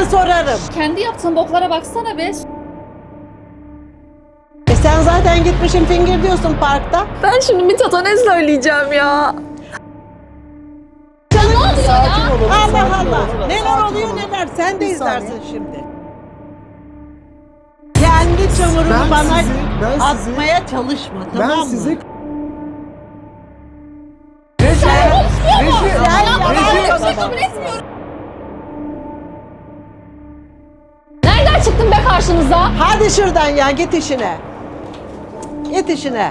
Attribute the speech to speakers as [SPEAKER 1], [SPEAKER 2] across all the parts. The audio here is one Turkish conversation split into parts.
[SPEAKER 1] sorarım.
[SPEAKER 2] Kendi yaptığın boklara baksana be.
[SPEAKER 1] Sen zaten gitmişsin fingir diyorsun parkta.
[SPEAKER 3] Ben şimdi Mithat'a ne söyleyeceğim ya?
[SPEAKER 2] Ne oluyor
[SPEAKER 4] Sakin
[SPEAKER 2] ya?
[SPEAKER 4] olalım.
[SPEAKER 1] Allah
[SPEAKER 4] sakin
[SPEAKER 1] Allah.
[SPEAKER 4] olalım.
[SPEAKER 1] Neler
[SPEAKER 4] Sakin
[SPEAKER 1] oluyor
[SPEAKER 4] olun.
[SPEAKER 1] neler. Sen de
[SPEAKER 4] Bir
[SPEAKER 1] izlersin
[SPEAKER 4] saniye.
[SPEAKER 1] şimdi. Kendi çamurunu
[SPEAKER 4] Ben
[SPEAKER 1] bana
[SPEAKER 4] sizi-
[SPEAKER 1] atmaya çalışma, tamam
[SPEAKER 4] Ben
[SPEAKER 1] mı?
[SPEAKER 4] sizi...
[SPEAKER 2] Kabul etmiyorum. Nereden çıktın be karşınıza?
[SPEAKER 1] Hadi şuradan ya, git işine. Git işine.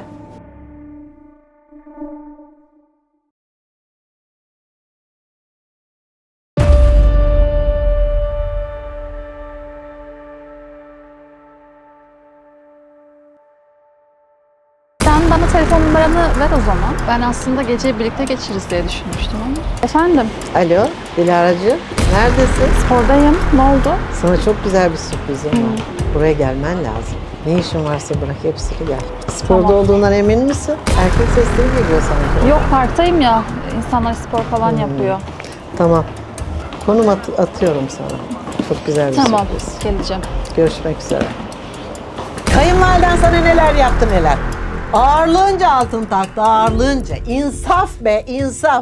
[SPEAKER 2] Sen bana telefon numaranı ver o zaman. Ben aslında geceyi birlikte geçiririz diye düşünmüştüm ama. Efendim,
[SPEAKER 1] Alo, Dilara'cığım. Neredesin?
[SPEAKER 2] spordayım. Ne oldu?
[SPEAKER 1] Sana çok güzel bir sürprizim var. Buraya gelmen lazım. Ne işin varsa bırak hepsini gel. Sporda
[SPEAKER 2] Tamam.
[SPEAKER 1] olduğundan emin misin? Erkek sesleri geliyor sanki.
[SPEAKER 2] Yok, parktayım ya. İnsanlar spor falan yapıyor.
[SPEAKER 1] Tamam. Konum atıyorum sana. Çok güzel bir
[SPEAKER 2] Tamam,
[SPEAKER 1] sürpriz.
[SPEAKER 2] geleceğim.
[SPEAKER 1] Görüşmek üzere. Kayınvaliden sana neler yaptı neler. Ağırlığınca altın taktı, ağırlığınca. İnsaf be, insaf.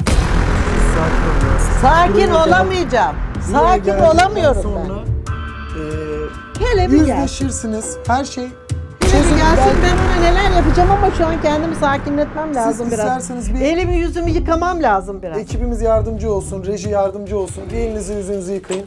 [SPEAKER 1] Sakin
[SPEAKER 4] Buraya
[SPEAKER 1] olamayacağım.
[SPEAKER 4] Buraya
[SPEAKER 1] Sakin
[SPEAKER 4] geldikten
[SPEAKER 1] olamıyorum
[SPEAKER 4] sonra,
[SPEAKER 1] ben. Hele bir gel.
[SPEAKER 4] yüzleşirsiniz. Her şey
[SPEAKER 1] Hele bir
[SPEAKER 4] çözülür.
[SPEAKER 1] gelsin,
[SPEAKER 4] Ben-
[SPEAKER 1] ben ona neler yapacağım ama şu an kendimi sakinletmem lazım biraz.
[SPEAKER 4] isterseniz bir-
[SPEAKER 1] Elimi yüzümü yıkamam lazım biraz.
[SPEAKER 4] Ekibimiz yardımcı olsun, reji yardımcı olsun. Bir elinizi yüzünüzü yıkayın.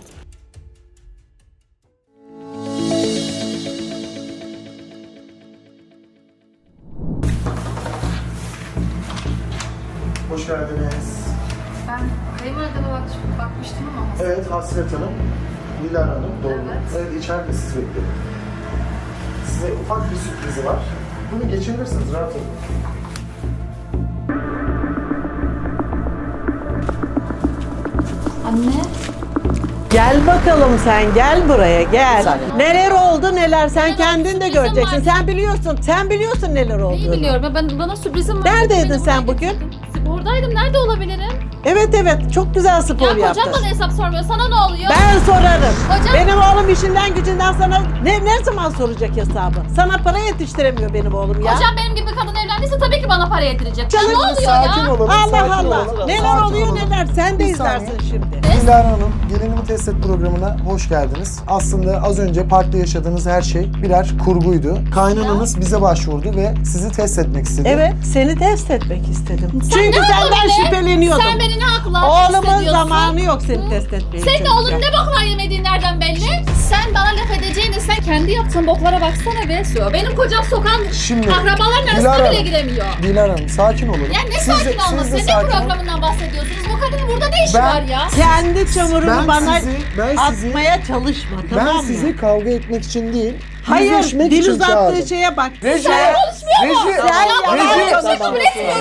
[SPEAKER 4] Hoş geldiniz.
[SPEAKER 2] Ben kayınvalideme bakmıştım ama.
[SPEAKER 4] Evet, Hasret Hanım, Dilara Hanım, doğru.
[SPEAKER 2] Evet.
[SPEAKER 4] Evet, içeride sizi bekliyorum. Size ufak bir sürprizi var. Bunu geçebilirsiniz, rahat olun.
[SPEAKER 2] Anne.
[SPEAKER 1] Gel bakalım sen, gel buraya, gel. Neler oldu neler, sen
[SPEAKER 2] Neler,
[SPEAKER 1] kendin de
[SPEAKER 2] sürprizim
[SPEAKER 1] göreceksin.
[SPEAKER 2] var.
[SPEAKER 1] Sen biliyorsun neler
[SPEAKER 2] Neyi
[SPEAKER 1] olduğunu.
[SPEAKER 2] biliyorum ya, bana sürprizim var.
[SPEAKER 1] Neredeydin
[SPEAKER 2] Beni
[SPEAKER 1] sen
[SPEAKER 2] buraya
[SPEAKER 1] bugün?
[SPEAKER 2] getirdin. Spordaydım. Nerede olabilirim?
[SPEAKER 1] Evet, çok güzel spor
[SPEAKER 2] Ya
[SPEAKER 1] yaptın.
[SPEAKER 2] kocam bana hesap sormuyor. Sana ne oluyor?
[SPEAKER 1] Ben sorarım.
[SPEAKER 2] Hocam-
[SPEAKER 1] Benim oğlum işinden gücünden sana ne zaman soracak hesabı? Sana para yetiştiremiyor benim oğlum ya.
[SPEAKER 2] Kocam benim gibi bir kadın evlendiyse tabii ki bana para yedirecek. Ya
[SPEAKER 1] Canım,
[SPEAKER 2] ne oluyor
[SPEAKER 4] Sakin
[SPEAKER 2] ya?
[SPEAKER 4] olun,
[SPEAKER 1] Allah
[SPEAKER 4] sakin
[SPEAKER 1] Allah.
[SPEAKER 4] olun.
[SPEAKER 1] Neler
[SPEAKER 4] Sakin
[SPEAKER 1] oluyor
[SPEAKER 4] olun.
[SPEAKER 1] neler. Sen de
[SPEAKER 4] Bir
[SPEAKER 1] izlersin
[SPEAKER 4] saniye.
[SPEAKER 1] şimdi.
[SPEAKER 4] Dilara Hanım, Gelinimi Test Et programına hoş geldiniz. Aslında az önce parkta yaşadığınız her şey birer kurguydu. Kaynananız bize başvurdu ve sizi test etmek istedi.
[SPEAKER 1] Evet, seni test etmek istedim.
[SPEAKER 2] Sen
[SPEAKER 1] Çünkü
[SPEAKER 2] ne
[SPEAKER 1] senden
[SPEAKER 2] hakla be?
[SPEAKER 1] şüpheleniyordum.
[SPEAKER 2] Sen beni ne hakla
[SPEAKER 1] Oğlumun
[SPEAKER 2] hissediyorsun?
[SPEAKER 1] zamanı yok seni test etmeye.
[SPEAKER 2] Senin
[SPEAKER 1] çocuklar.
[SPEAKER 2] oğlun ne boklar yemediği nereden belli? Sen bana laf edeceğine sen kendi yaptığın boklara baksana be. Benim kocam sokağın
[SPEAKER 4] Şimdi,
[SPEAKER 2] akrabaların arasına
[SPEAKER 4] Dilara
[SPEAKER 2] bile
[SPEAKER 4] Hanım,
[SPEAKER 2] giremiyor.
[SPEAKER 4] Dilara Hanım, sakin olun.
[SPEAKER 2] Ya ne
[SPEAKER 4] Siz de-
[SPEAKER 2] sakin olması?
[SPEAKER 4] siz de
[SPEAKER 2] Ne
[SPEAKER 4] sakin olun.
[SPEAKER 2] programından bahsediyorsunuz? Bu kadının burada ne işi
[SPEAKER 4] Ben-
[SPEAKER 2] var ya?
[SPEAKER 1] Kendi çamurunu
[SPEAKER 4] Ben
[SPEAKER 1] bana
[SPEAKER 4] sizi-
[SPEAKER 1] atmaya çalışma, tamam
[SPEAKER 4] Ben
[SPEAKER 1] mı?
[SPEAKER 4] sizi kavga etmek için değil,
[SPEAKER 1] Hayır,
[SPEAKER 4] yüzleşmek
[SPEAKER 1] dil
[SPEAKER 4] için
[SPEAKER 1] uzattığı
[SPEAKER 4] çağırdım.
[SPEAKER 1] şeye bak.
[SPEAKER 4] Reji,
[SPEAKER 2] Sen konuşmuyor mu?
[SPEAKER 4] Reji,
[SPEAKER 2] Ya ben
[SPEAKER 4] Reji.
[SPEAKER 2] böyle bir şey kabul etmiyorum.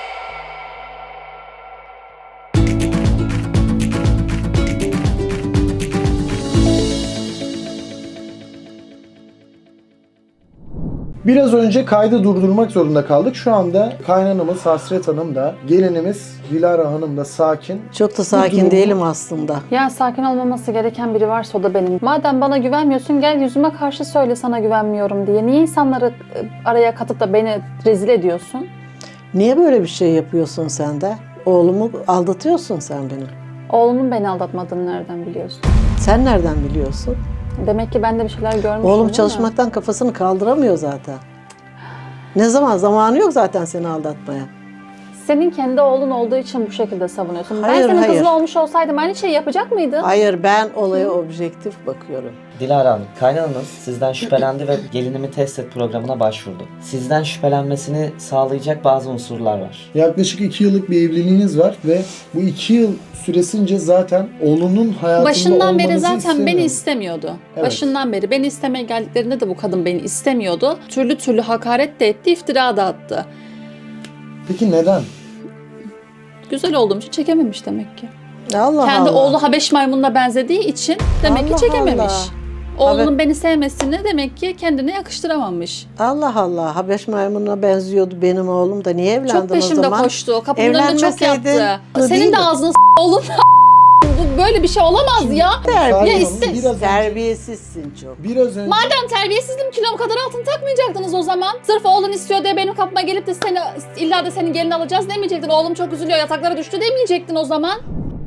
[SPEAKER 4] Biraz önce kaydı durdurmak zorunda kaldık. Şu anda kaynanamız Hasret Hanım da, gelinimiz Dilara Hanım da sakin.
[SPEAKER 1] Çok da sakin
[SPEAKER 4] durumu-
[SPEAKER 1] değilim aslında.
[SPEAKER 2] Ya sakin olmaması gereken biri varsa o da benim. Madem bana güvenmiyorsun gel yüzüme karşı söyle sana güvenmiyorum diye. Niye insanları araya katıp da beni rezil ediyorsun?
[SPEAKER 1] Niye böyle bir şey yapıyorsun sen de? Oğlumu aldatıyorsun sen benim.
[SPEAKER 2] Oğlumun beni aldatmadığını nereden biliyorsun?
[SPEAKER 1] Sen nereden biliyorsun?
[SPEAKER 2] Demek ki ben de bir şeyler görmüşüm.
[SPEAKER 1] Oğlum
[SPEAKER 2] değil mi?
[SPEAKER 1] çalışmaktan kafasını kaldıramıyor zaten. Ne zaman? Zamanı yok zaten seni aldatmaya.
[SPEAKER 2] Senin kendi oğlun olduğu için bu şekilde savunuyorsun.
[SPEAKER 1] Hayır,
[SPEAKER 2] ben senin
[SPEAKER 1] hayır.
[SPEAKER 2] kızın olmuş olsaydım aynı şeyi yapacak mıydın?
[SPEAKER 1] Hayır, ben olaya objektif bakıyorum.
[SPEAKER 5] Dilara Hanım, kaynananız sizden şüphelendi ve gelinimi test et programına başvurdu. Sizden şüphelenmesini sağlayacak bazı unsurlar var.
[SPEAKER 4] Yaklaşık 2 yıllık bir evliliğiniz var ve bu 2 yıl süresince zaten oğlunun hayatında
[SPEAKER 2] Başından beri
[SPEAKER 4] olmanızı
[SPEAKER 2] zaten
[SPEAKER 4] istemiyor.
[SPEAKER 2] beni istemiyordu.
[SPEAKER 4] Evet.
[SPEAKER 2] Başından beri beni istemeye geldiklerinde de bu kadın beni istemiyordu. Türlü türlü hakaret de etti, iftira da attı.
[SPEAKER 4] Peki neden?
[SPEAKER 2] Güzel olduğum için çekememiş demek ki.
[SPEAKER 1] Allah
[SPEAKER 2] Kendi
[SPEAKER 1] Allah.
[SPEAKER 2] oğlu Habeş maymununa benzediği için demek
[SPEAKER 1] Allah
[SPEAKER 2] ki çekememiş.
[SPEAKER 1] Allah.
[SPEAKER 2] Oğlunun beni sevmesini demek ki kendine yakıştıramamış.
[SPEAKER 1] Allah Allah. Habeş maymununa benziyordu benim oğlum da. Niye evlendin
[SPEAKER 2] Çok
[SPEAKER 1] o
[SPEAKER 2] peşimde
[SPEAKER 1] zaman?
[SPEAKER 2] koştu. Kapımın önünde çok
[SPEAKER 1] Evlenmeseydin,
[SPEAKER 2] yattı.
[SPEAKER 1] bu
[SPEAKER 2] Senin
[SPEAKER 1] değil
[SPEAKER 2] de
[SPEAKER 1] mi?
[SPEAKER 2] ağzını oğlum bu böyle bir şey olamaz ya.
[SPEAKER 4] Sakin
[SPEAKER 2] Ya
[SPEAKER 4] olun,
[SPEAKER 2] iste-
[SPEAKER 4] biraz önce,
[SPEAKER 1] Terbiyesizsin çok.
[SPEAKER 4] biraz önce
[SPEAKER 2] Madem terbiyesizdim kilom kadar altın takmayacaktınız o zaman. Sırf oğlun istiyor diye benim kapıma gelip de seni illa da senin gelin alacağız demeyecektin. Oğlum çok üzülüyor yataklara düştü demeyecektin o zaman.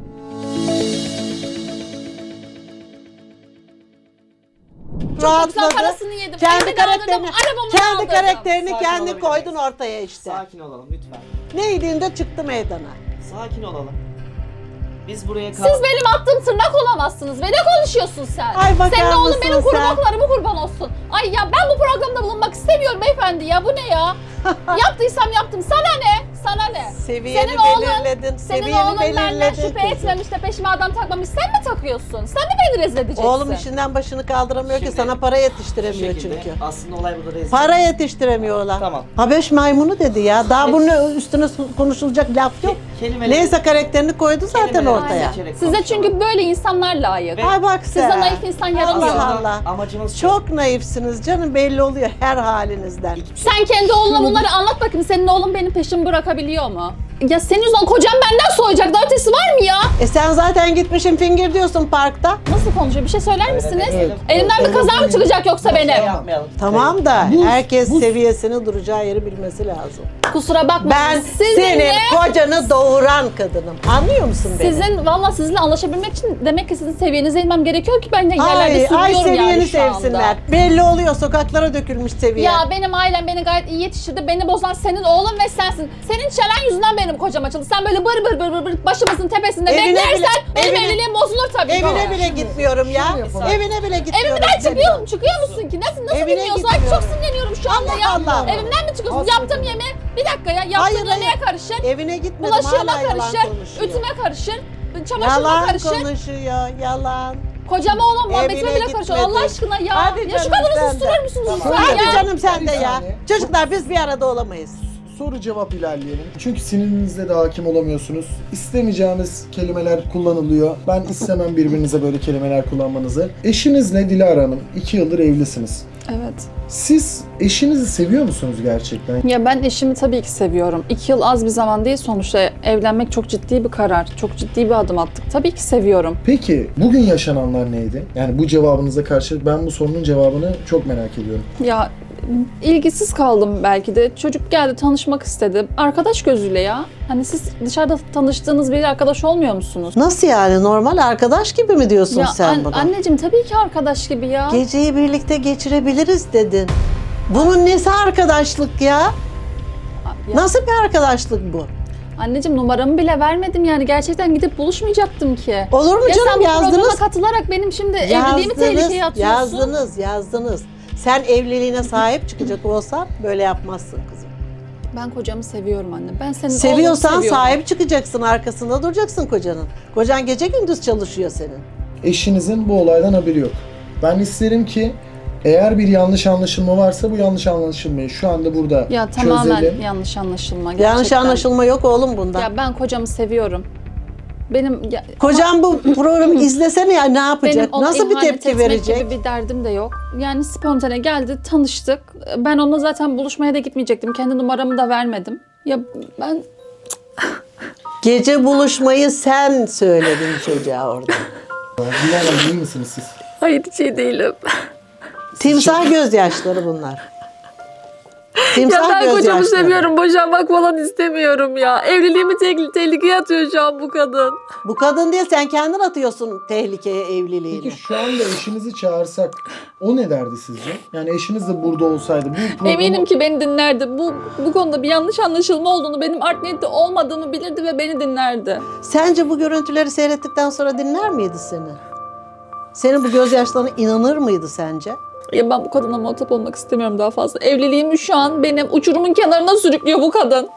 [SPEAKER 2] Çok güzel parasını yedim.
[SPEAKER 1] Kendi
[SPEAKER 2] Evimi de aldırdım,
[SPEAKER 1] karakterini,
[SPEAKER 2] arabamı da
[SPEAKER 1] kendi
[SPEAKER 2] aldırdım.
[SPEAKER 1] karakterini
[SPEAKER 5] Sakin
[SPEAKER 1] kendi
[SPEAKER 5] olabilir
[SPEAKER 1] koydun
[SPEAKER 5] miyiz?
[SPEAKER 1] ortaya işte.
[SPEAKER 5] Sakin olalım lütfen.
[SPEAKER 1] Neydiğinde çıktı meydana.
[SPEAKER 5] Sakin olalım. Biz buraya
[SPEAKER 2] Siz benim attığım tırnak olamazsınız. Ve ne konuşuyorsun sen?
[SPEAKER 1] Ay bakar
[SPEAKER 2] Senin oğlun
[SPEAKER 1] mısın
[SPEAKER 2] benim kuru
[SPEAKER 1] sen?
[SPEAKER 2] boklarımı kurban olsun. Ay ya ben bu programda bulunmak istemiyorum beyefendi ya. Bu ne ya? Yaptıysam yaptım. Sana ne? Sana ne?
[SPEAKER 1] Seviyeni
[SPEAKER 2] Senin oğlun-
[SPEAKER 1] belirledin.
[SPEAKER 2] Senin
[SPEAKER 1] Seviyeni
[SPEAKER 2] oğlun benden
[SPEAKER 1] belirledin
[SPEAKER 2] şüphe
[SPEAKER 1] kızım.
[SPEAKER 2] etmemiş de peşime adam takmamış. Sen mi takıyorsun? Sen mi beni rezil edeceksin?
[SPEAKER 1] Oğlum işinden başını kaldıramıyor ki
[SPEAKER 5] Şimdi-
[SPEAKER 1] sana para yetiştiremiyor
[SPEAKER 5] şekilde,
[SPEAKER 1] çünkü.
[SPEAKER 5] aslında olay burada rezil.
[SPEAKER 1] Para yetiştiremiyorlar.
[SPEAKER 5] Tamam.
[SPEAKER 1] Habeş maymunu dedi ya. Daha bunun üstüne konuşulacak laf yok.
[SPEAKER 5] Kelimeleri-
[SPEAKER 1] Neyse karakterini koydu zaten
[SPEAKER 5] kelimeleri
[SPEAKER 1] ortaya.
[SPEAKER 5] seçerek
[SPEAKER 2] Size
[SPEAKER 5] konuşalım.
[SPEAKER 2] çünkü böyle insanlar layık.
[SPEAKER 5] Ve-
[SPEAKER 1] Ay bak sen.
[SPEAKER 2] Size naif insan yaramıyor.
[SPEAKER 1] Allah
[SPEAKER 5] Aslında
[SPEAKER 1] Allah.
[SPEAKER 5] amacımız şu.
[SPEAKER 1] Çok naifsiniz canım, belli oluyor her halinizden.
[SPEAKER 2] Sen kendi oğluna bunları anlat bakayım. Senin oğlun benim peşimi bırakabiliyor mu? Ya senin yüzünden kocam benden soğuyacak. Daha ötesi var mı ya?
[SPEAKER 1] Sen zaten gitmişsin fingir diyorsun parkta.
[SPEAKER 2] Nasıl konuşuyor? Bir şey söyler misiniz?
[SPEAKER 5] demeyelim.
[SPEAKER 2] Elimden bir kaza mı çıkacak yoksa benim?
[SPEAKER 5] Yapmayalım.
[SPEAKER 1] Tamam da
[SPEAKER 4] Bu-
[SPEAKER 1] herkes
[SPEAKER 4] bu-
[SPEAKER 1] seviyesini, duracağı yeri bilmesi lazım.
[SPEAKER 2] Kusura bakmayın.
[SPEAKER 1] Ben senin kocanı doğuran kadınım. Anlıyor musun beni?
[SPEAKER 2] Valla sizinle anlaşabilmek için demek ki sizin seviyenize inmem gerekiyor ki ben de yerlerde
[SPEAKER 1] Ay
[SPEAKER 2] sürünüyorum
[SPEAKER 1] seviyeni
[SPEAKER 2] yani şu anda.
[SPEAKER 1] sevsinler. Belli oluyor, sokaklara dökülmüş seviye.
[SPEAKER 2] Ya benim ailem beni gayet iyi yetiştirdi. Beni bozan senin oğlun ve sensin. Senin çelen yüzünden benim kocam açıldı. Sen böyle bır bır bır bır bır başımızın tepesinde
[SPEAKER 1] Evine
[SPEAKER 2] beklersen
[SPEAKER 1] bile-
[SPEAKER 2] benim
[SPEAKER 1] evine-
[SPEAKER 2] evliliğim bozulur tabii.
[SPEAKER 1] Evine bile gitmiyorum ya.
[SPEAKER 4] yapalım.
[SPEAKER 1] Evine bile gitmiyorum.
[SPEAKER 2] Evimden çıkıyor mu? Çıkıyor musun ki? Nasıl
[SPEAKER 1] Evine
[SPEAKER 2] bilmiyorsun? Ay çok
[SPEAKER 1] gitmiyorum.
[SPEAKER 2] sinirleniyorum şu anda
[SPEAKER 1] Allah
[SPEAKER 2] ya.
[SPEAKER 1] Allah.
[SPEAKER 2] Evimden mi çıkıyorsun?
[SPEAKER 4] Aslında-
[SPEAKER 2] Yaptığım yemeğe bir dakika ya. Yaptığım
[SPEAKER 1] Hayır,
[SPEAKER 2] yemeğe
[SPEAKER 1] hayır.
[SPEAKER 2] karışır.
[SPEAKER 1] Evine gitmedim,
[SPEAKER 2] Bulaşığıma
[SPEAKER 1] hala yalan
[SPEAKER 2] karışır.
[SPEAKER 1] konuşuyor.
[SPEAKER 2] Ütüme karışır. Çamaşırıma
[SPEAKER 1] Yalan
[SPEAKER 2] karışır.
[SPEAKER 1] konuşuyor, yalan.
[SPEAKER 2] Kocama olan muhabbetime
[SPEAKER 1] Evine
[SPEAKER 2] bile karışıyor.
[SPEAKER 1] gitmedi.
[SPEAKER 2] Allah aşkına ya.
[SPEAKER 1] Hadi
[SPEAKER 2] Ya şu
[SPEAKER 1] canım
[SPEAKER 2] kadını
[SPEAKER 1] sen de.
[SPEAKER 2] susturur musunuz
[SPEAKER 4] Tamam.
[SPEAKER 2] lütfen
[SPEAKER 1] Hadi
[SPEAKER 2] ya?
[SPEAKER 1] canım sen de
[SPEAKER 4] Bir
[SPEAKER 1] ya.
[SPEAKER 4] saniye.
[SPEAKER 1] Çocuklar biz bir arada olamayız.
[SPEAKER 4] soru cevap ilerleyelim. Çünkü sinirinizde de hakim olamıyorsunuz. İstemeyeceğiniz kelimeler kullanılıyor. Ben istemem birbirinize böyle kelimeler kullanmanızı. Eşinizle Dilara Hanım 2 yıldır evlisiniz.
[SPEAKER 2] Evet.
[SPEAKER 4] Siz eşinizi seviyor musunuz gerçekten?
[SPEAKER 2] Ya ben eşimi tabii ki seviyorum. 2 yıl az bir zaman değil sonuçta. Evlenmek çok ciddi bir karar. Çok ciddi bir adım attık. Tabii ki seviyorum.
[SPEAKER 4] Peki bugün yaşananlar neydi? Yani bu cevabınıza karşı ben bu sorunun cevabını çok merak ediyorum.
[SPEAKER 2] Ya ilgisiz kaldım belki de. Çocuk geldi tanışmak istedi. Arkadaş gözüyle ya. Hani siz dışarıda tanıştığınız bir arkadaş olmuyor musunuz?
[SPEAKER 1] Nasıl yani? Normal arkadaş gibi mi diyorsun
[SPEAKER 2] Ya
[SPEAKER 1] sen buna?
[SPEAKER 2] anneciğim tabii ki arkadaş gibi ya.
[SPEAKER 1] Geceyi birlikte geçirebiliriz dedin. Bunun nesi arkadaşlık ya?
[SPEAKER 2] Ya-
[SPEAKER 1] Nasıl bir arkadaşlık bu?
[SPEAKER 2] Anneciğim numaramı bile vermedim yani. Gerçekten gidip buluşmayacaktım ki.
[SPEAKER 1] Olur mu
[SPEAKER 2] Ya sen
[SPEAKER 1] canım,
[SPEAKER 2] bu programa
[SPEAKER 1] yazdınız.
[SPEAKER 2] katılarak benim şimdi evliliğimi tehlikeye atıyorsun.
[SPEAKER 1] Yazdınız. Sen evliliğine sahip çıkacak olsan böyle yapmazsın kızım.
[SPEAKER 2] Ben kocamı seviyorum anne. Ben senin
[SPEAKER 1] Seviyorsan
[SPEAKER 2] oğlunu seviyorum.
[SPEAKER 1] sahip çıkacaksın, arkasında duracaksın kocanın. Kocan gece gündüz çalışıyor senin.
[SPEAKER 4] Eşinizin bu olaydan haberi yok. Ben isterim ki eğer bir yanlış anlaşılma varsa bu yanlış anlaşılmayı şu anda burada
[SPEAKER 2] Ya tamamen
[SPEAKER 4] çözelim.
[SPEAKER 2] yanlış anlaşılma.
[SPEAKER 1] Yanlış
[SPEAKER 2] gerçekten.
[SPEAKER 1] anlaşılma yok oğlum bundan.
[SPEAKER 2] Ya ben kocamı seviyorum. Benim
[SPEAKER 1] Kocam bu programı izlesene ya, ne
[SPEAKER 2] benim
[SPEAKER 1] yapacak?
[SPEAKER 2] ona
[SPEAKER 1] Nasıl bir
[SPEAKER 2] ihanet
[SPEAKER 1] tepki
[SPEAKER 2] etmek
[SPEAKER 1] verecek?
[SPEAKER 2] gibi bir derdim de yok. Yani spontane geldi, tanıştık. Ben onunla zaten buluşmaya da gitmeyecektim. Kendi numaramı da vermedim. Ya ben
[SPEAKER 1] Gece buluşmayı sen söyledin çocuğa orada.
[SPEAKER 4] Dilara Hanım, iyi misiniz siz?
[SPEAKER 3] Hayır hiç iyi değilim.
[SPEAKER 1] Timsah gözyaşları bunlar.
[SPEAKER 3] Ya
[SPEAKER 1] Timsah
[SPEAKER 3] ben kocamı
[SPEAKER 1] gözyaşları.
[SPEAKER 3] seviyorum. Boşanmak falan istemiyorum ya. Evliliğimi tehlikeye atıyor şu an bu kadın.
[SPEAKER 1] Bu kadın değil, sen kendin atıyorsun tehlikeye evliliğini.
[SPEAKER 4] Peki şu anda eşinizi çağırsak o ne derdi sizce? Yani eşiniz de burada olsaydı bu programı...
[SPEAKER 2] eminim ki beni dinlerdi. Bu konuda bir yanlış anlaşılma olduğunu, benim art niyetli olmadığımı bilirdi ve beni dinlerdi.
[SPEAKER 1] Sence bu görüntüleri seyrettikten sonra dinler miydi seni? Senin bu gözyaşlarına inanır mıydı sence?
[SPEAKER 2] Ya ben bu kadına muhatap olmak istemiyorum daha fazla. Evliliğimi şu an benim uçurumun kenarına sürüklüyor bu kadın.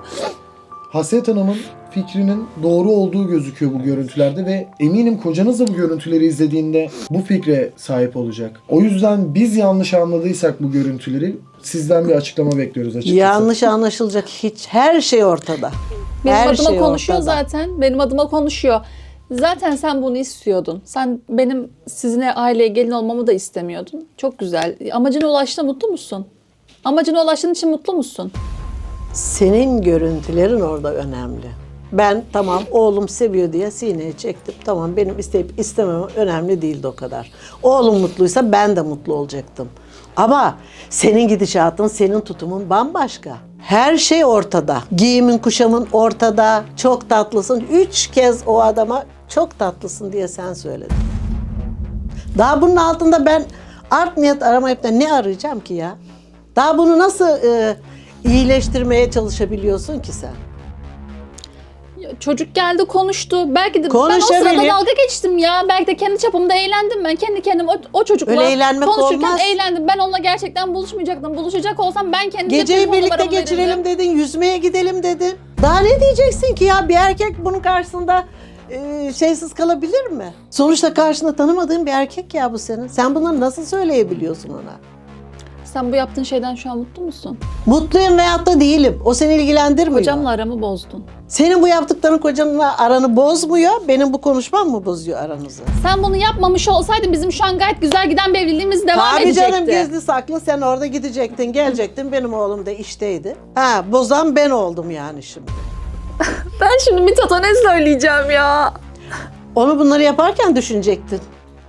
[SPEAKER 4] Haset Hanım'ın fikrinin doğru olduğu gözüküyor bu görüntülerde ve eminim kocanız da bu görüntüleri izlediğinde bu fikre sahip olacak. O yüzden biz yanlış anladıysak bu görüntüleri sizden bir açıklama bekliyoruz açıkçası.
[SPEAKER 1] Yanlış anlaşılacak her şey ortada.
[SPEAKER 2] Benim
[SPEAKER 1] Her
[SPEAKER 2] adıma
[SPEAKER 1] şey
[SPEAKER 2] konuşuyor
[SPEAKER 1] ortada.
[SPEAKER 2] zaten. Benim adıma konuşuyor. Zaten sen bunu istiyordun. Sen benim sizinle aileye gelin olmamı da istemiyordun. Çok güzel. Amacına ulaştığında mutlu musun? Amacına ulaştığın için mutlu musun?
[SPEAKER 1] Senin görüntülerin orada önemli. Ben tamam oğlum seviyor diye sineye çektim. Tamam benim isteyip istememem önemli değildi o kadar. Oğlum mutluysa ben de mutlu olacaktım. Ama senin gidişatın, senin tutumun bambaşka. Her şey ortada. Giyimin, kuşamın ortada. Çok tatlısın. 3 kez o adama çok tatlısın diye sen söyledin. Daha bunun altında ben art niyet aramayıp da ne arayacağım ki ya? Daha bunu nasıl iyileştirmeye çalışabiliyorsun ki sen?
[SPEAKER 2] Ya çocuk geldi konuştu. Belki de ben o
[SPEAKER 1] Konuşabilir.
[SPEAKER 2] sırada dalga geçtim ya. Belki de kendi çapımda eğlendim ben. Kendi kendime o çocukla
[SPEAKER 1] Öyle eğlenmek
[SPEAKER 2] konuşurken
[SPEAKER 1] olmaz.
[SPEAKER 2] eğlendim. Ben onunla gerçekten buluşmayacaktım. Buluşacak olsam ben kendi
[SPEAKER 1] Geceyi
[SPEAKER 2] telefonla
[SPEAKER 1] birlikte
[SPEAKER 2] numaramı
[SPEAKER 1] geçirelim
[SPEAKER 2] verirdim.
[SPEAKER 1] dedin, yüzmeye gidelim dedin. Daha ne diyeceksin ki ya? Bir erkek bunun karşısında şeysiz kalabilir mi? Sonuçta karşında tanımadığın bir erkek ya bu senin. Sen bunları nasıl söyleyebiliyorsun ona?
[SPEAKER 2] Sen bu yaptığın şeyden şu an mutlu musun?
[SPEAKER 1] Mutluyum veyahut da değilim. O seni ilgilendirmiyor.
[SPEAKER 2] Hocamla aramı bozdun.
[SPEAKER 1] Senin bu yaptıkların kocanla aranı bozmuyor. Benim bu konuşmam mı bozuyor aranızı?
[SPEAKER 2] Sen bunu yapmamış olsaydın bizim şu an gayet güzel giden bir evliliğimiz devam
[SPEAKER 1] Tabii
[SPEAKER 2] edecekti.
[SPEAKER 1] canım gizli saklı sen orada gidecektin, gelecektin. Benim oğlum da işteydi. Ha, bozan ben oldum yani şimdi.
[SPEAKER 3] Ben şimdi Mithat'a ne söyleyeceğim ya?
[SPEAKER 1] Onu bunları yaparken düşünecektin.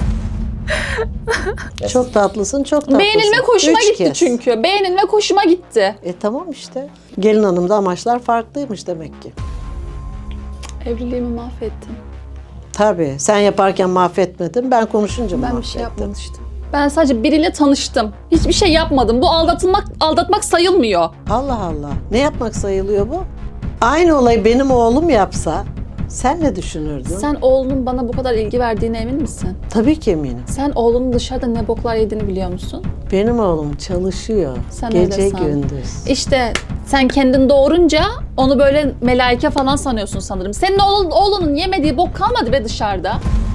[SPEAKER 1] Çok tatlısın, çok tatlısın.
[SPEAKER 2] Beğenilmek hoşuma
[SPEAKER 1] 3
[SPEAKER 2] gitti
[SPEAKER 1] kez.
[SPEAKER 2] çünkü. Beğenilmek hoşuma gitti.
[SPEAKER 1] Tamam işte. Gelin hanımda amaçlar farklıymış demek ki.
[SPEAKER 2] Evliliğimi mahvettin.
[SPEAKER 1] Tabii. Sen yaparken mahvetmedin. Ben konuşunca
[SPEAKER 2] Ben
[SPEAKER 1] mahvettim.
[SPEAKER 2] bir şey yapmamıştım. Ben sadece biriyle tanıştım. Hiçbir şey yapmadım. Bu aldatmak sayılmıyor.
[SPEAKER 1] Allah Allah. Ne yapmak sayılıyor bu? Aynı olayı benim oğlum yapsa sen ne düşünürdün?
[SPEAKER 2] Sen oğlunun bana bu kadar ilgi verdiğine emin misin?
[SPEAKER 1] Tabii ki eminim.
[SPEAKER 2] Sen oğlunun dışarıda ne boklar yediğini biliyor musun?
[SPEAKER 1] Benim oğlum çalışıyor.
[SPEAKER 2] Sen
[SPEAKER 1] Gece
[SPEAKER 2] öyle san.
[SPEAKER 1] gündüz.
[SPEAKER 2] İşte sen kendin doğurunca onu böyle melaike falan sanıyorsun sanırım. Senin oğlunun yemediği bok kalmadı be dışarıda.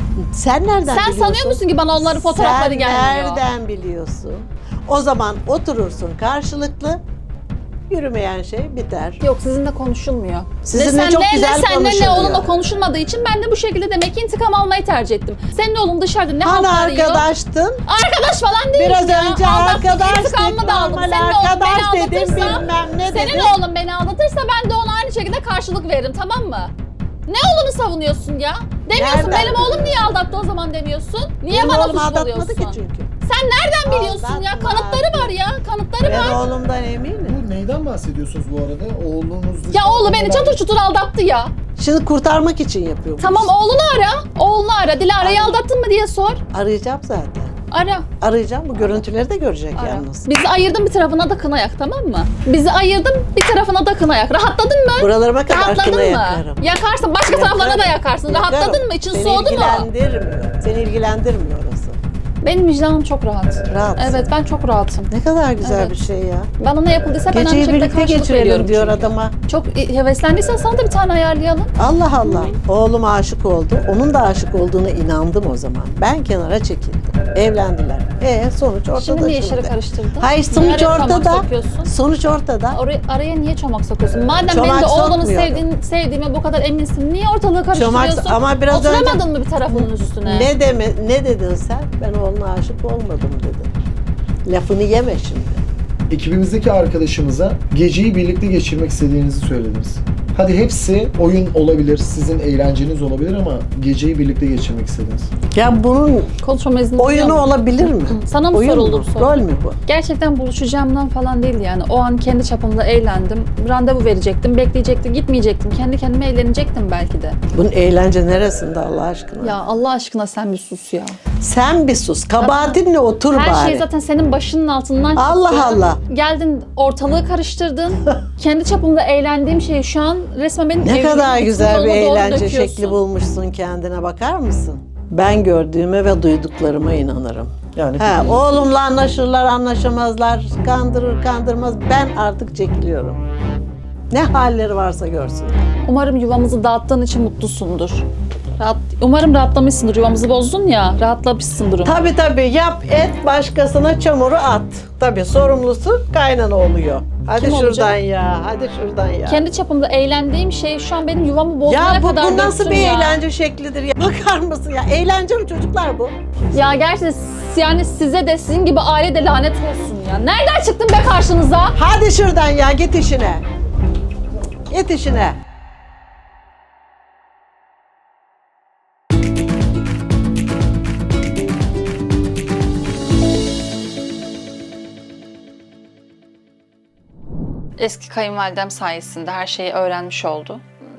[SPEAKER 1] Sen nereden
[SPEAKER 2] Sen
[SPEAKER 1] biliyorsun?
[SPEAKER 2] sanıyor musun ki bana onların fotoğrafları
[SPEAKER 1] Sen
[SPEAKER 2] gelmiyor?
[SPEAKER 1] nereden biliyorsun? O zaman oturursun karşılıklı. Yürümeyen şey biter.
[SPEAKER 2] Yok sizinle konuşulmuyor.
[SPEAKER 1] Sizinle
[SPEAKER 2] ne
[SPEAKER 1] çok
[SPEAKER 2] senle,
[SPEAKER 1] güzel
[SPEAKER 2] ne senle ne
[SPEAKER 1] konuşuluyor.
[SPEAKER 2] oğlunla konuşulmadığı için ben de bu şekilde demek ki intikam almayı tercih ettim. Senin oğlun dışarıda ne
[SPEAKER 1] Hani
[SPEAKER 2] haltlar yiyor?
[SPEAKER 1] arkadaştın?
[SPEAKER 2] Arkadaş falan değil
[SPEAKER 1] Biraz
[SPEAKER 2] ya.
[SPEAKER 1] önce
[SPEAKER 2] Aldattık,
[SPEAKER 1] arkadaş
[SPEAKER 2] intikamımı
[SPEAKER 1] dedin,
[SPEAKER 2] da aldım.
[SPEAKER 1] normal
[SPEAKER 2] Senin oğlun
[SPEAKER 1] arkadaş
[SPEAKER 2] beni
[SPEAKER 1] dedin,
[SPEAKER 2] aldatırsa,
[SPEAKER 1] bilmem ne
[SPEAKER 2] senin
[SPEAKER 1] dedin.
[SPEAKER 2] oğlun beni aldatırsa ben de ona aynı şekilde karşılık veririm, tamam mı? Ne oğlunu savunuyorsun ya? Demiyorsun
[SPEAKER 1] Nereden
[SPEAKER 2] benim oğlum niye aldattı o zaman demiyorsun. Niye
[SPEAKER 1] Benim
[SPEAKER 2] bana
[SPEAKER 1] oğlum
[SPEAKER 2] suç
[SPEAKER 1] aldatmadı
[SPEAKER 2] buluyorsun?
[SPEAKER 1] ki çünkü.
[SPEAKER 2] Sen nereden biliyorsun ya?
[SPEAKER 1] Aldatmadı.
[SPEAKER 2] Kanıtları var ya. Kanıtları
[SPEAKER 1] Ben
[SPEAKER 2] var.
[SPEAKER 1] oğlumdan eminim.
[SPEAKER 4] Bu neyden bahsediyorsunuz bu arada? Oğlunuz
[SPEAKER 2] Ya oğlu beni çatır çutur aldattı ya.
[SPEAKER 1] Şimdi kurtarmak için yapıyor. bu
[SPEAKER 2] Tamam
[SPEAKER 1] işi.
[SPEAKER 2] oğlunu ara. Oğlunu ara. Dilara'yı aldattın mı diye sor.
[SPEAKER 1] Arayacağım zaten.
[SPEAKER 2] Ara.
[SPEAKER 1] Arayacağım. Bu görüntüleri de görecek
[SPEAKER 2] Ara.
[SPEAKER 1] yalnız.
[SPEAKER 2] Bizi ayırdın bir tarafına da kına yak, tamam mı? Bizi ayırdın bir tarafına da kına yak. Rahatladın mı?
[SPEAKER 1] Buralarıma kadar
[SPEAKER 2] Rahatladın
[SPEAKER 1] kına
[SPEAKER 2] mı?
[SPEAKER 1] yakarım.
[SPEAKER 2] Yakarsın. Başka
[SPEAKER 1] Yakarım,
[SPEAKER 2] taraflarına da yakarsın.
[SPEAKER 1] yakarım.
[SPEAKER 2] Rahatladın mı? İçin
[SPEAKER 1] Seni
[SPEAKER 2] soğudu mu?
[SPEAKER 1] ilgilendirmiyor. Seni ilgilendirmiyor orası.
[SPEAKER 2] Benim vicdanım çok rahat.
[SPEAKER 1] Rahatsın.
[SPEAKER 2] Evet ben çok rahatım.
[SPEAKER 1] Ne kadar güzel
[SPEAKER 2] Evet.
[SPEAKER 1] bir şey ya.
[SPEAKER 2] Bana ne yapıldıysa ben aynı
[SPEAKER 1] Geceyi
[SPEAKER 2] şekilde
[SPEAKER 1] birlikte
[SPEAKER 2] karşılık
[SPEAKER 1] geçirelim
[SPEAKER 2] veriyorum
[SPEAKER 1] diyor
[SPEAKER 2] çünkü.
[SPEAKER 1] adama.
[SPEAKER 2] Çok heveslendiysen sana da bir tane ayarlayalım.
[SPEAKER 1] Allah Allah. Oğlum aşık oldu. Onun da aşık olduğuna inandım o zaman. Ben kenara çekildim. Evlendiler. Sonuç ortada
[SPEAKER 2] Şimdi niye işleri karıştırdın?
[SPEAKER 1] Hayır
[SPEAKER 2] Niye
[SPEAKER 1] sonuç
[SPEAKER 2] araya çomak
[SPEAKER 1] ortada.
[SPEAKER 2] sokuyorsun?
[SPEAKER 1] Sonuç ortada.
[SPEAKER 2] Araya niye çomak sokuyorsun? Madem
[SPEAKER 1] Çomak
[SPEAKER 2] benim de oğlunu
[SPEAKER 1] sokmuyorum.
[SPEAKER 2] sevdiğime bu kadar eminsin, niye ortalığı karıştırıyorsun?
[SPEAKER 1] ama biraz
[SPEAKER 2] Oturamadın
[SPEAKER 1] önce-
[SPEAKER 2] mı bir tarafının üstüne?
[SPEAKER 1] Ne dedin sen? Ben oğluna aşık olmadım dedin. Lafını yeme şimdi.
[SPEAKER 4] Ekibimizdeki arkadaşımıza geceyi birlikte geçirmek istediğinizi söylediniz. Hadi hepsi oyun olabilir, sizin eğlenceniz olabilir ama geceyi birlikte geçirmek istediniz.
[SPEAKER 1] Ya bunun
[SPEAKER 2] Konuşma izni
[SPEAKER 1] oyunu
[SPEAKER 2] biliyor musun?
[SPEAKER 1] olabilir mi?
[SPEAKER 2] Sana mı
[SPEAKER 1] Oyun
[SPEAKER 2] soruldu
[SPEAKER 1] mu?
[SPEAKER 2] bu soru?
[SPEAKER 1] Rol mü bu?
[SPEAKER 2] Gerçekten buluşacağımdan falan değil yani. O an kendi çapımda eğlendim. Randevu verecektim, bekleyecektim, gitmeyecektim. Kendi kendime eğlenecektim belki de.
[SPEAKER 1] Bunun eğlence neresinde Allah aşkına?
[SPEAKER 2] Ya Allah aşkına sen bir sus ya.
[SPEAKER 1] Sen bir sus. Kabahatinle otur
[SPEAKER 2] Her
[SPEAKER 1] bari.
[SPEAKER 2] şey zaten senin başının altından çıktı.
[SPEAKER 1] Allah Allah.
[SPEAKER 2] Geldin ortalığı karıştırdın. Kendi çapımda eğlendiğim şeyi şu an resmen benim
[SPEAKER 1] Ne
[SPEAKER 2] evliliğimin
[SPEAKER 1] kadar
[SPEAKER 2] bütün
[SPEAKER 1] güzel bir
[SPEAKER 2] yoluna doğru
[SPEAKER 1] eğlence
[SPEAKER 2] döküyorsun.
[SPEAKER 1] şekli bulmuşsun kendine, bakar mısın? Ben gördüğüme ve duyduklarıma inanırım.
[SPEAKER 4] Yani
[SPEAKER 1] Oğlumla anlaşırlar, anlaşamazlar, kandırır, kandırmaz. Ben artık çekiliyorum. Ne halleri varsa görsün.
[SPEAKER 2] Umarım yuvamızı dağıttığın için mutlusundur. Umarım rahatlamışsındır. Yuvamızı bozdun ya, rahatlamışsındır.
[SPEAKER 1] Tabii yap et, başkasına çamuru at. Tabii sorumlusu kaynana oluyor. Hadi
[SPEAKER 2] Kim
[SPEAKER 1] şuradan
[SPEAKER 2] olacak?
[SPEAKER 1] ya, hadi şuradan ya.
[SPEAKER 2] Kendi çapımda eğlendiğim şey şu an benim yuvamı bozmaya
[SPEAKER 1] Ya
[SPEAKER 2] kadar
[SPEAKER 1] bu nasıl
[SPEAKER 2] döktün
[SPEAKER 1] bir
[SPEAKER 2] ya.
[SPEAKER 1] eğlence şeklidir ya? Bakar mısın ya? Eğlence mi çocuklar bu?
[SPEAKER 2] Ya gerçekten yani size de sizin gibi aile de lanet olsun ya. Nereden çıktın be karşınıza?
[SPEAKER 1] Hadi şuradan ya, git işine. Git işine.
[SPEAKER 2] Eski kayınvalidem sayesinde her şeyi öğrenmiş oldu.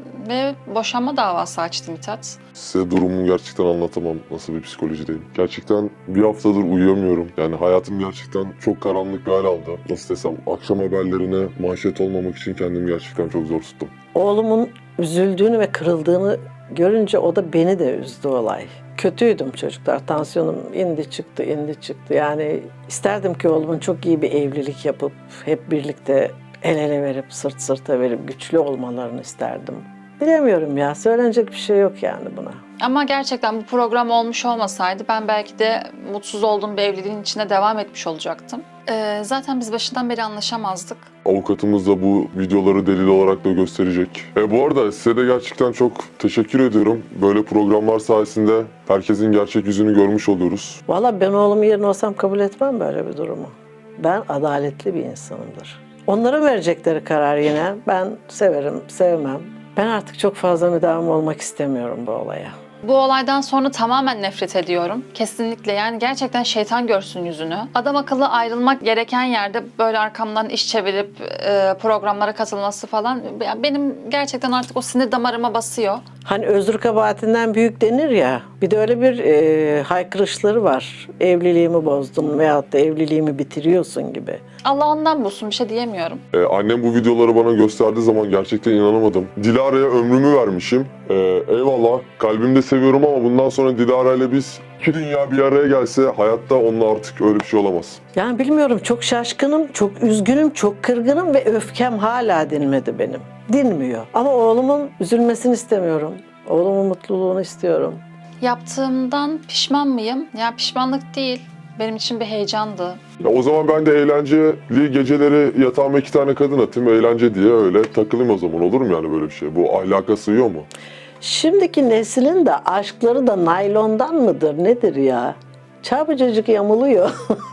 [SPEAKER 2] Ve boşanma davası açtı Mithat.
[SPEAKER 6] Size durumumu gerçekten anlatamam, nasıl bir psikolojideyim. Gerçekten bir haftadır uyuyamıyorum. Yani hayatım gerçekten çok karanlık bir hal aldı. Nasıl desem, akşam haberlerine manşet olmamak için kendimi gerçekten çok zor tuttum.
[SPEAKER 1] Oğlumun üzüldüğünü ve kırıldığını görünce o da beni de üzdü olay. Kötüydüm çocuklar. Tansiyonum indi çıktı. Yani isterdim ki oğlumun çok iyi bir evlilik yapıp hep birlikte el ele verip sırt sırta verip güçlü olmalarını isterdim. Bilemiyorum ya. Söylenecek bir şey yok yani buna.
[SPEAKER 2] Ama gerçekten bu program olmuş olmasaydı ben belki de mutsuz olduğum bir evliliğin içine devam etmiş olacaktım. Zaten biz başından beri anlaşamazdık.
[SPEAKER 6] Avukatımız da bu videoları delil olarak da gösterecek. Bu arada size de gerçekten çok teşekkür ediyorum. Böyle programlar sayesinde herkesin gerçek yüzünü görmüş oluyoruz.
[SPEAKER 1] Valla ben oğlumun yerine olsam kabul etmem böyle bir durumu. Ben adaletli bir insanımdır. Onların verecekleri karar yine. Ben severim, sevmem. Ben artık çok fazla müdahale olmak istemiyorum bu olaya.
[SPEAKER 2] Bu olaydan sonra tamamen nefret ediyorum. Kesinlikle, yani gerçekten şeytan görsün yüzünü. Adam akıllı ayrılmak gereken yerde böyle arkamdan iş çevirip programlara katılması falan benim gerçekten artık o sinir damarıma basıyor.
[SPEAKER 1] Hani özür kabahatinden büyük denir ya, bir de öyle bir haykırışları var. Evliliğimi bozdun veyahut da evliliğimi bitiriyorsun gibi.
[SPEAKER 2] Allah ondan bulsun, bir şey diyemiyorum.
[SPEAKER 6] Annem bu videoları bana gösterdiği zaman gerçekten inanamadım. Dilara'ya ömrümü vermişim. Eyvallah, kalbimde seviyorum ama bundan sonra Dilara ile biz iki dünya bir araya gelse hayatta onunla artık öyle bir şey olamaz.
[SPEAKER 1] Yani bilmiyorum, çok şaşkınım, çok üzgünüm, çok kırgınım ve öfkem hala dinmedi benim. Dinmiyor. Ama oğlumun üzülmesini istemiyorum. Oğlumun mutluluğunu istiyorum.
[SPEAKER 2] Yaptığımdan pişman mıyım? Ya pişmanlık değil. Benim için bir heyecandı.
[SPEAKER 6] O zaman ben de eğlenceli geceleri yatağıma 2 tane kadın atayım, eğlence diye öyle takılayım o zaman, olur mu yani böyle bir şey? Bu ahlaka sığıyor mu?
[SPEAKER 1] Şimdiki neslin de aşkları da naylondan mıdır nedir ya? Çabucacık yamuluyor.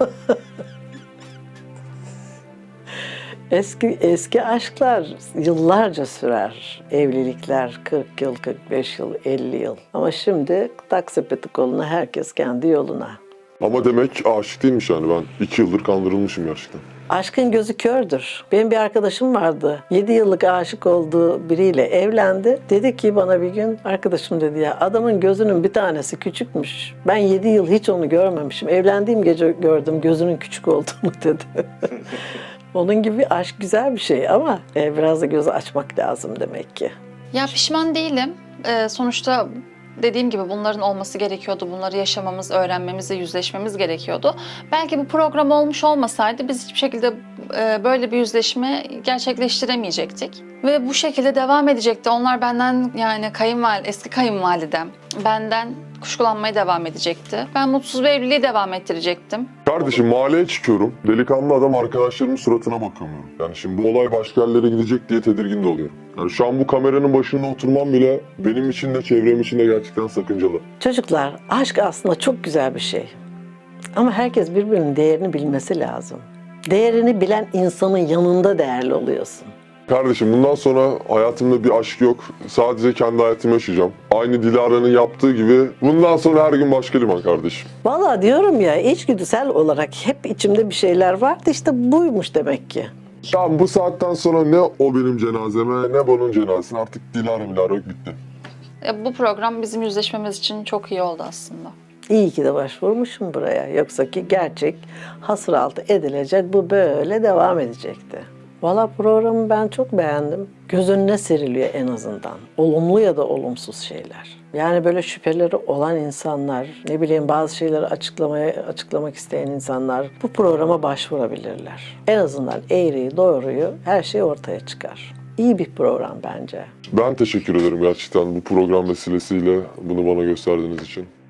[SPEAKER 1] Eski aşklar yıllarca sürer. Evlilikler 40 yıl, 45 yıl, 50 yıl. Ama şimdi tak sepeti koluna, herkes kendi yoluna.
[SPEAKER 6] Ama demek aşık değilmiş yani, ben 2 yıldır kandırılmışım gerçekten.
[SPEAKER 1] Aşkın gözü kördür. Benim bir arkadaşım vardı. 7 yıllık aşık olduğu biriyle evlendi. Dedi ki bana bir gün, arkadaşım dedi ya, adamın gözünün bir tanesi küçükmüş. Ben 7 yıl hiç onu görmemişim. Evlendiğim gece gördüm gözünün küçük olduğunu dedi. Onun gibi aşk güzel bir şey ama biraz da gözü açmak lazım demek ki.
[SPEAKER 2] Ya pişman değilim. Sonuçta dediğim gibi bunların olması gerekiyordu. Bunları yaşamamız, öğrenmemiz ve yüzleşmemiz gerekiyordu. Belki bu program olmuş olmasaydı biz hiçbir şekilde böyle bir yüzleşme gerçekleştiremeyecektik. Ve bu şekilde devam edecekti. Onlar benden, yani eski kayınvalidem benden kuşkulanmaya devam edecekti. Ben mutsuz bir evliliği devam ettirecektim.
[SPEAKER 6] Kardeşim, mahalleye çıkıyorum. Delikanlı adam arkadaşlarımın suratına bakamıyorum. Yani şimdi bu olay başka yerlere gidecek diye tedirgin de oluyorum. Yani şu an bu kameranın başında oturmam bile benim için de çevrem için de gerçekten sakıncalı.
[SPEAKER 1] Çocuklar, aşk aslında çok güzel bir şey. Ama herkes birbirinin değerini bilmesi lazım. Değerini bilen insanın yanında değerli oluyorsun.
[SPEAKER 6] Kardeşim, bundan sonra hayatımda bir aşk yok. Sadece kendi hayatımı yaşayacağım. Aynı Dilara'nın yaptığı gibi bundan sonra her gün başka liman kardeşim.
[SPEAKER 1] Vallahi diyorum ya, içgüdüsel olarak hep içimde bir şeyler vardı, işte buymuş demek ki.
[SPEAKER 6] Tamam, bu saatten sonra ne o benim cenazeme ne bunun cenazesine, artık Dilara yok, bitti.
[SPEAKER 2] Bu program bizim yüzleşmemiz için çok iyi oldu aslında.
[SPEAKER 1] İyi ki de başvurmuşum buraya. Yoksa ki gerçek hasıraltı edilecek, bu böyle devam edecekti. Valla programı ben çok beğendim. Göz önüne seriliyor en azından. Olumlu ya da olumsuz şeyler. Yani böyle şüpheleri olan insanlar, ne bileyim bazı şeyleri açıklamak isteyen insanlar bu programa başvurabilirler. En azından eğriyi, doğruyu, her şey ortaya çıkar. İyi bir program bence.
[SPEAKER 6] Ben teşekkür ederim gerçekten bu program vesilesiyle bunu bana gösterdiğiniz için.